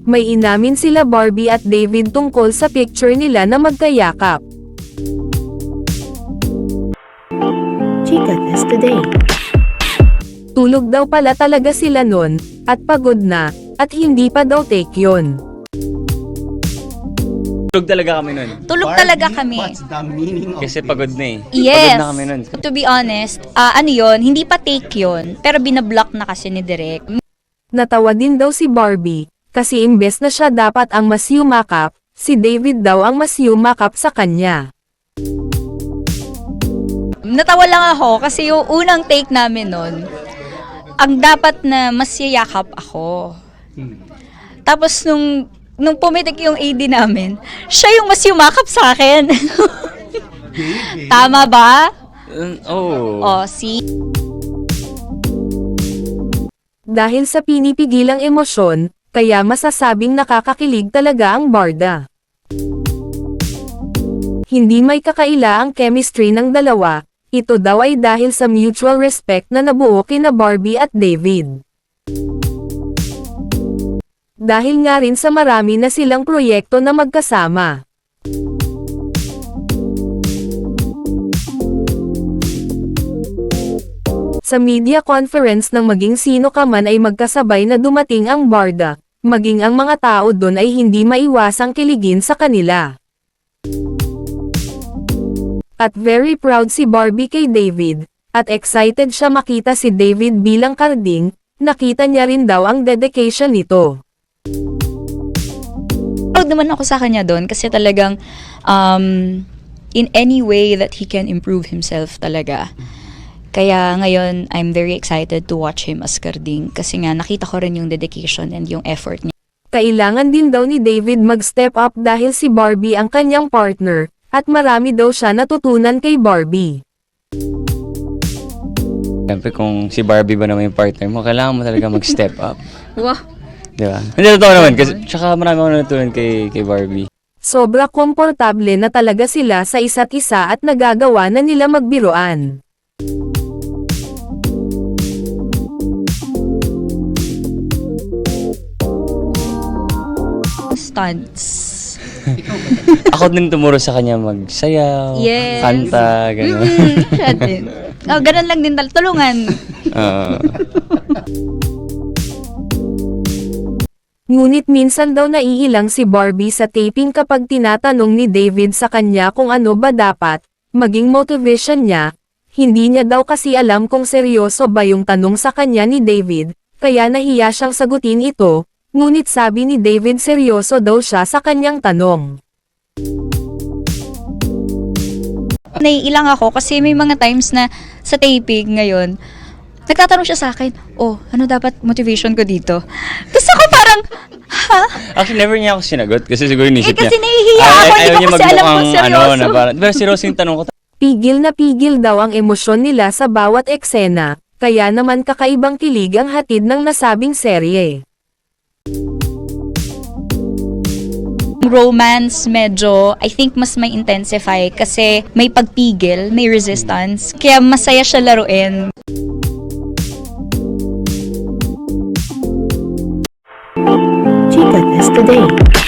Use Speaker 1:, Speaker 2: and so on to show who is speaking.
Speaker 1: May inamin sila Barbie at David tungkol sa picture nila na magkayakap.
Speaker 2: Chika Test Today.
Speaker 1: Tulog daw pala talaga sila nun, at pagod na, at hindi pa daw take yun.
Speaker 3: Tulog talaga kami nun.
Speaker 4: Tulog talaga kami.
Speaker 5: What's the meaning of
Speaker 3: Kasi pagod na eh.
Speaker 4: Yes.
Speaker 3: Pagod na kami nun.
Speaker 4: To be honest, ano yun, hindi pa take yun. Pero binablock na kasi ni Direk.
Speaker 1: Natawa din daw si Barbie, kasi imbes na siya dapat ang mas yumakap, si David daw ang mas yumakap sa kanya.
Speaker 4: Natawa lang ako kasi yung unang take namin nun, ang dapat na mas yayakap ako. Tapos nung pumitik yung AD namin, siya yung mas yumakap sa akin. Tama ba?
Speaker 3: Oh.
Speaker 4: O, see?
Speaker 1: Dahil sa pinipigilang emosyon, kaya masasabing nakakakilig talaga ang barda. Hindi may kakaila ang chemistry ng dalawa, ito daw ay dahil sa mutual respect na nabuo kina Barbie at David. Dahil nga rin sa marami na silang proyekto na magkasama. Sa media conference ng maging sino ka man ay magkasabay na dumating ang barda, maging ang mga tao doon ay hindi maiwasang kiligin sa kanila. At very proud si Barbie kay David, at excited siya makita si David bilang karding, nakita niya rin daw ang dedication nito.
Speaker 4: Proud naman ako sa kanya doon kasi talagang in any way that he can improve himself talaga. Kaya ngayon, I'm very excited to watch him as karding kasi nga nakita ko rin yung dedication and yung effort niya.
Speaker 1: Kailangan din daw ni David mag-step up dahil si Barbie ang kanyang partner, at marami daw siya natutunan kay Barbie.
Speaker 3: Siyempre kung si Barbie ba naman yung partner mo, kailangan mo talaga mag-step up.
Speaker 4: Wow.
Speaker 3: Di ba? Hindi, totoo naman. Kasi tsaka marami ako natutunan kay Barbie.
Speaker 1: Sobra komportable na talaga sila sa isa't isa at nagagawa na nila magbiruan.
Speaker 4: Stunts.
Speaker 3: Ako din tumuro sa kanya magsayaw,
Speaker 4: Yes.
Speaker 3: kanta, gano'n.
Speaker 4: Siya din. Oh, ganun lang din tulungan.
Speaker 1: Ngunit minsan daw naiilang si Barbie sa taping kapag tinatanong ni David sa kanya kung ano ba dapat maging motivation niya. Hindi niya daw kasi alam kung seryoso ba yung tanong sa kanya ni David, kaya nahiya siyang sagutin ito, ngunit sabi ni David seryoso daw siya sa kanyang tanong.
Speaker 4: Naiilang ako kasi may mga times na sa taping ngayon, nagtatanong siya sa akin, oh, ano dapat motivation ko dito? Tapos ako parang, ha?
Speaker 3: Actually, never niya ako sinagot kasi siguro inisip niya.
Speaker 4: Kasi nahihiya ako, hindi ko kasi alam kung seryoso.
Speaker 3: Na parang, pero seryoso yung tanong ko.
Speaker 1: Pigil na pigil daw ang emosyon nila sa bawat eksena, kaya naman kakaibang kilig ang hatid ng nasabing serye.
Speaker 4: Romance medyo, I think mas may intensify kasi may pagpigil, may resistance, kaya masaya siya laruin.
Speaker 2: Chika Test Today.